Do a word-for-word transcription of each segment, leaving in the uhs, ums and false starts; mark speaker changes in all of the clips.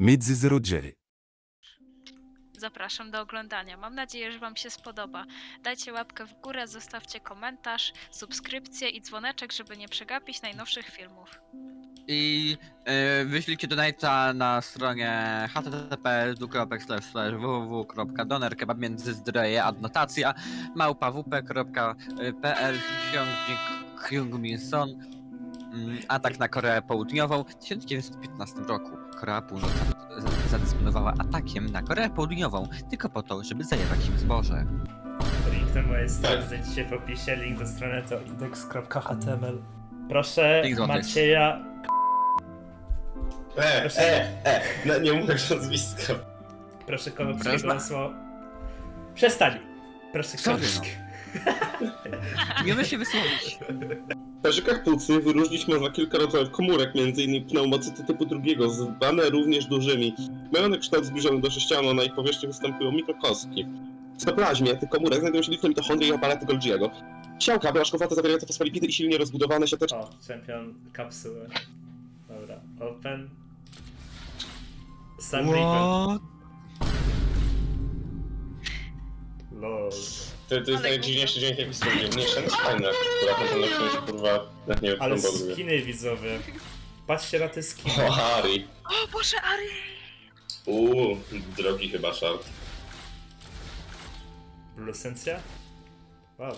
Speaker 1: Między zero Jerry.
Speaker 2: Zapraszam do oglądania. Mam nadzieję, że Wam się spodoba. Dajcie łapkę w górę, zostawcie komentarz, subskrypcję i dzwoneczek, żeby nie przegapić najnowszych filmów.
Speaker 3: I yy, wyślijcie donate'a na stronie h t t p w w w kropka doner kebab między zdroje adnotacja małpa w p kropka p l Hyung Min Son. Atak na Koreę Południową. W tysiąc dziewięćset piętnastym roku Korea Północna zadysponowała atakiem na Koreę Południową tylko po to, żeby zajebać im zboże.
Speaker 4: Link do mojej strony znajdziecie w opisie, link do strony to index kropka h t m l. Proszę
Speaker 3: Link do
Speaker 4: Macieja...
Speaker 5: E,
Speaker 4: Proszę.
Speaker 5: e, e, no, nie mówisz nazwiska.
Speaker 4: Proszę Konopskiego
Speaker 3: Proszę.
Speaker 4: o słowo... Przestań! Proszę
Speaker 3: Sorry,
Speaker 4: Konopskiego.
Speaker 3: Nie umiesz się wysłowić.
Speaker 5: W parzykach płucnych wyróżnić można kilka rodzajów komórek, m.in. pneumocyty typu drugiego, zwane również dużymi. Mają one kształt zbliżony do sześcianu, na ich powierzchni występują mikrokostki. W cytoplazmie tych komórek znajdują się liczne mitochondrie i aparaty Golgiego. Ciałka blaszkowate zawierające fosfolipidy i silnie rozbudowane siateczki.
Speaker 4: O, czempion kapsuły. Dobra, open. Sam
Speaker 3: What?
Speaker 4: Lol.
Speaker 5: To, to jest
Speaker 2: Ale
Speaker 5: najdziwniejszy dźwięk jaki słyszę. Mniejsza niż fajna, która potem na którymś kurwa... Jak nie wiem,
Speaker 4: Ale
Speaker 5: co tam
Speaker 4: skiny widzowie. Patrzcie na te skiny.
Speaker 5: O, Harry.
Speaker 2: O Boże, Ari!
Speaker 5: Uuu, drogi chyba szart.
Speaker 4: Lucencja? Wow.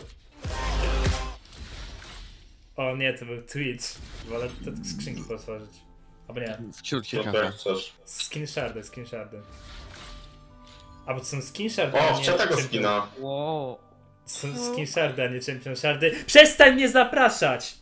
Speaker 4: O nie, to był Twitch. Wolę te skrzynki potworzyć. Albo nie.
Speaker 3: Wciul
Speaker 5: No
Speaker 3: ciekawe.
Speaker 5: tak, coś.
Speaker 4: Skin shardy, skin shardy. A bo to są skin shardy,
Speaker 5: O,
Speaker 4: a nie
Speaker 5: chciał tego
Speaker 4: champion-
Speaker 5: skina.
Speaker 3: Wow.
Speaker 4: Są skin shardy, a nie champion shardy. Przestań mnie zapraszać!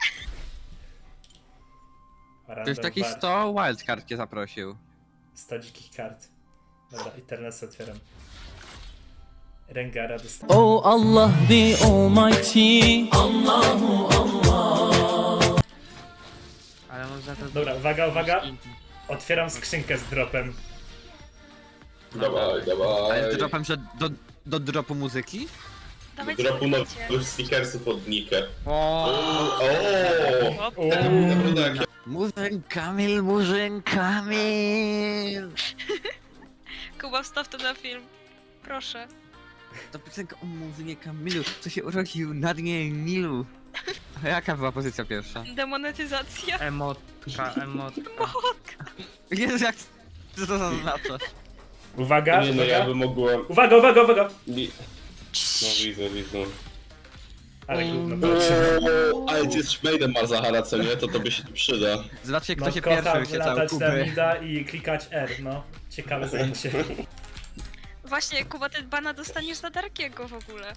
Speaker 3: To jest taki sto wildcard cię zaprosił.
Speaker 4: sto dzikich kart. Dobra, i teraz otwieram. Rengara dostałem.
Speaker 6: Oh Allah the Almighty. Allahu Allah.
Speaker 7: Ale można to...
Speaker 4: Dobra, uwaga, uwaga. Otwieram skrzynkę z dropem.
Speaker 5: Dawaj,
Speaker 3: Ale
Speaker 5: dawaj.
Speaker 3: dropem, że do, do dropu muzyki?
Speaker 2: Dawajcie,
Speaker 5: Dropu
Speaker 2: dawajcie.
Speaker 5: nowych stickersów od Nikę.
Speaker 3: O.
Speaker 5: O,
Speaker 2: Op.
Speaker 4: Uuu.
Speaker 5: naprawdę jak
Speaker 3: Murzyn Kamil, Murzyn Kamil!
Speaker 2: Kuba, wstaw to na film. Proszę.
Speaker 3: To piosenka o Murzynie Kamilu, co się urodził na dnie Nilu. A jaka była pozycja pierwsza?
Speaker 2: Demonetyzacja.
Speaker 7: Emotka, emotka.
Speaker 3: Jezu, jak co to zaznacza?
Speaker 4: Uwaga,
Speaker 5: Nie no, ja
Speaker 4: uwaga.
Speaker 5: bym mogłem...
Speaker 4: Uwaga, uwaga, uwaga!
Speaker 5: Mi- No widzę, widzę.
Speaker 4: Ale gówno patrzę.
Speaker 5: Ooo, ale ty jesteś maidem Marzahara, co nie? To tobie się przyda.
Speaker 3: Zobaczcie, kto
Speaker 4: No
Speaker 3: się
Speaker 4: kocham
Speaker 3: pierwszy wyświecał
Speaker 4: latać na
Speaker 3: Kuby.
Speaker 4: mida i klikać R, no. Ciekawe zajęcie.
Speaker 2: Właśnie, Kuba, ty bana dostaniesz za Darkiego w ogóle.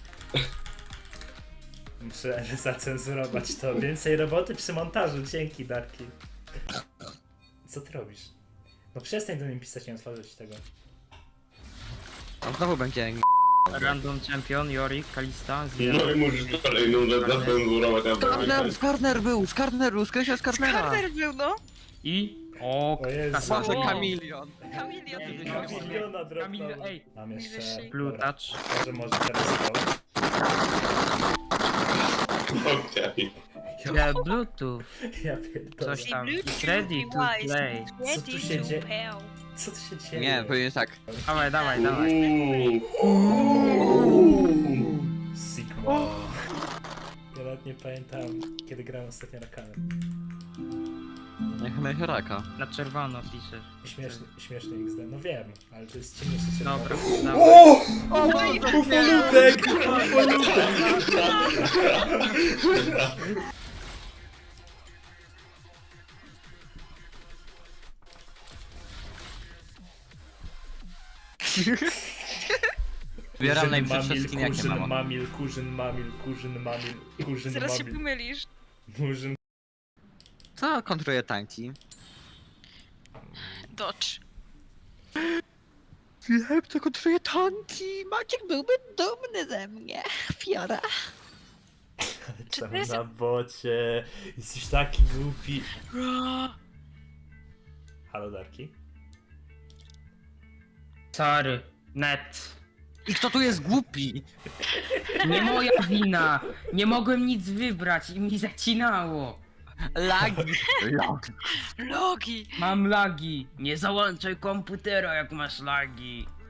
Speaker 4: Muszę zacenzurować to. Więcej roboty przy montażu, dzięki Darki. Co ty robisz? No przestań do nim pisać, nie otworzyć tego.
Speaker 3: On znowu będzie
Speaker 7: Random champion, Yorick, Kalista,
Speaker 5: No
Speaker 7: Zero.
Speaker 5: i musisz kolejną rzecz zacenzurować na
Speaker 3: Skarner, Skarner był, Skarner był, skreśla Skarnera.
Speaker 2: Karner był, no.
Speaker 7: I... O,
Speaker 4: O Jezu.
Speaker 7: kasa.
Speaker 3: Może
Speaker 2: O.
Speaker 3: Kamilion.
Speaker 2: Kamilion.
Speaker 4: Miliona
Speaker 7: Kamil,
Speaker 4: dropnął.
Speaker 7: ej.
Speaker 4: Mam jeszcze...
Speaker 2: Najwyższy.
Speaker 7: Blue
Speaker 4: Dobra,
Speaker 7: touch.
Speaker 4: może, może teraz to.
Speaker 5: Okej.
Speaker 7: The Bluetooth.
Speaker 4: Ja pierdolę.
Speaker 7: Coś tam.
Speaker 2: Bluetooth
Speaker 7: It's ready to
Speaker 2: device.
Speaker 7: play.
Speaker 4: Co tu
Speaker 2: Ready
Speaker 4: się
Speaker 2: to
Speaker 4: dzieje?
Speaker 2: pair.
Speaker 4: Co tu się dzieje?
Speaker 3: Nie, powinien tak.
Speaker 7: Dawaj, dawaj, dawaj.
Speaker 5: Uuu.
Speaker 4: Sigma. Ja nawet nie pamiętam, kiedy grałem ostatnio na kanał.
Speaker 3: Jak Mechoraka.
Speaker 7: Na czerwono piszesz.
Speaker 4: Śmieszny, śmieszny X D. No wiem, ale to jest ciemniejszy się.
Speaker 7: Dobra, dawaj.
Speaker 4: O! Ufolutek! Ufolutek!
Speaker 3: Zbieram najbrzydsze
Speaker 4: mamil,
Speaker 3: skiny, jakie
Speaker 4: kurzyn
Speaker 3: mam.
Speaker 4: mamil, kurzyn mamil, kurzyn mamil, kurzyn
Speaker 2: Zaraz się
Speaker 4: mamil,
Speaker 2: pomylisz.
Speaker 4: murzyn.
Speaker 3: Co kontruje tanki?
Speaker 2: Dodge.
Speaker 3: Wiem, co kontruje tanki! Maciek byłby dumny ze mnie. Fiora.
Speaker 2: Czy
Speaker 4: Tam
Speaker 2: to jest-
Speaker 4: na bocie. Jesteś taki głupi. Halo Darki?
Speaker 7: Sorry. Net.
Speaker 3: I kto tu jest głupi?
Speaker 7: Nie moja wina. Nie mogłem nic wybrać i mi zacinało.
Speaker 3: Lagi. Lagi.
Speaker 2: Logi!
Speaker 7: Mam lagi. Nie załączaj komputera, jak masz lagi.